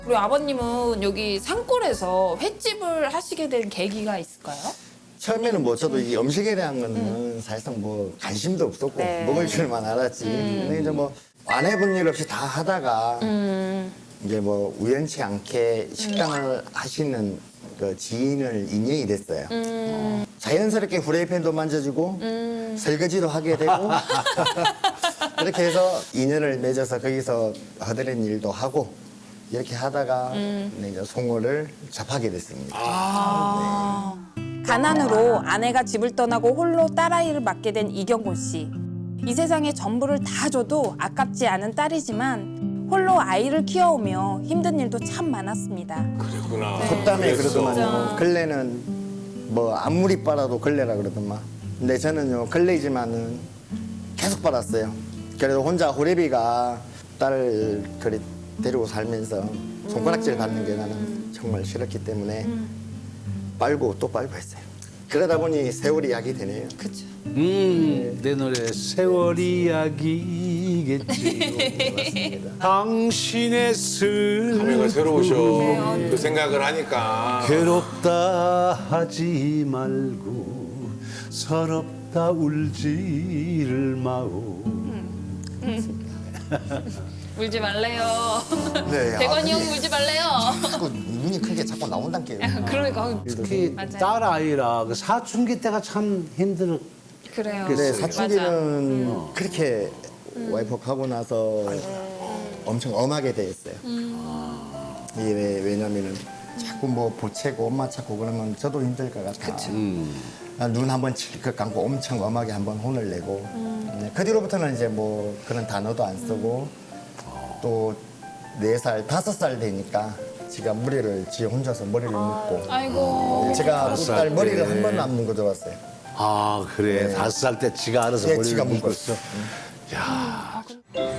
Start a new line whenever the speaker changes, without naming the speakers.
그리고 아버님은 여기 산골에서 횟집을 하시게 된 계기가 있을까요?
처음에는 뭐 저도 이 음식에 대한 거는 사실상 뭐 관심도 없었고
네.
먹을 줄만 알았지. 근데 이제 뭐 안 해본 일 없이 다 하다가 이제 뭐 우연치 않게 식당을 하시는 그 지인을 인연이 됐어요. 자연스럽게 후라이팬도 만져주고 설거지도 하게 되고 그렇게 해서 인연을 맺어서 거기서 하드린 일도 하고 이렇게 하다가 이제 송어를 접하게 됐습니다.
가난으로 아내가 집을 떠나고 홀로 딸아이를 맡게 된 이경곤 씨. 이 세상에 전부를 다 줘도 아깝지 않은 딸이지만 홀로 아이를 키워오며 힘든 일도 참 많았습니다.
그랬구나.
콧담에
그랬어.
그러더만요. 걸레는 뭐 아무리 빨아도 걸레라 그러더만. 근데 저는요 걸레이지만은 계속 빨았어요. 그래도 혼자 호래비가 딸을 그리 데리고 살면서 손가락질 받는 게 나는 정말 싫었기 때문에 빨고 또 빨고 했어요. 그러다 보니 세월이 약이 되네요.
그렇죠.
내 노래 세월 이야기겠지요.
맞습니다.
당신의
감회가 새로우셔.
네,
그 생각을 하니까.
괴롭다 하지 말고 서럽다 울지를 마오.
울지 말래요.
네,
대건이 형
그게
울지 말래요.
자꾸 눈이 크게 자꾸 나온단 게.
그러니까
특히
맞아요.
딸 아이라 그 사춘기 때가 참 힘들어.
그래요.
네,
맞아.
사춘기는 그렇게 와이프 가고 나서 엄청 엄하게 됐어요. 이게 왜냐면은 자꾸 뭐 보채고 엄마 찾고 그러면 저도 힘들 것 같아. 눈 한번 칠컥 감고 엄청 엄하게 한번 혼을 내고 네, 그 뒤로부터는 이제 뭐 그런 단어도 안 쓰고 또 4살, 5살 되니까 지가 머리를 지 혼자서 머리를 묶고
아이고.
제가
다섯 살
딸 머리를
때.
한 번도 안 묶어 줘봤어요.
아 그래 5살 때 지가 알아서
네,
머리를
지가
묶었어.
묶었어.
야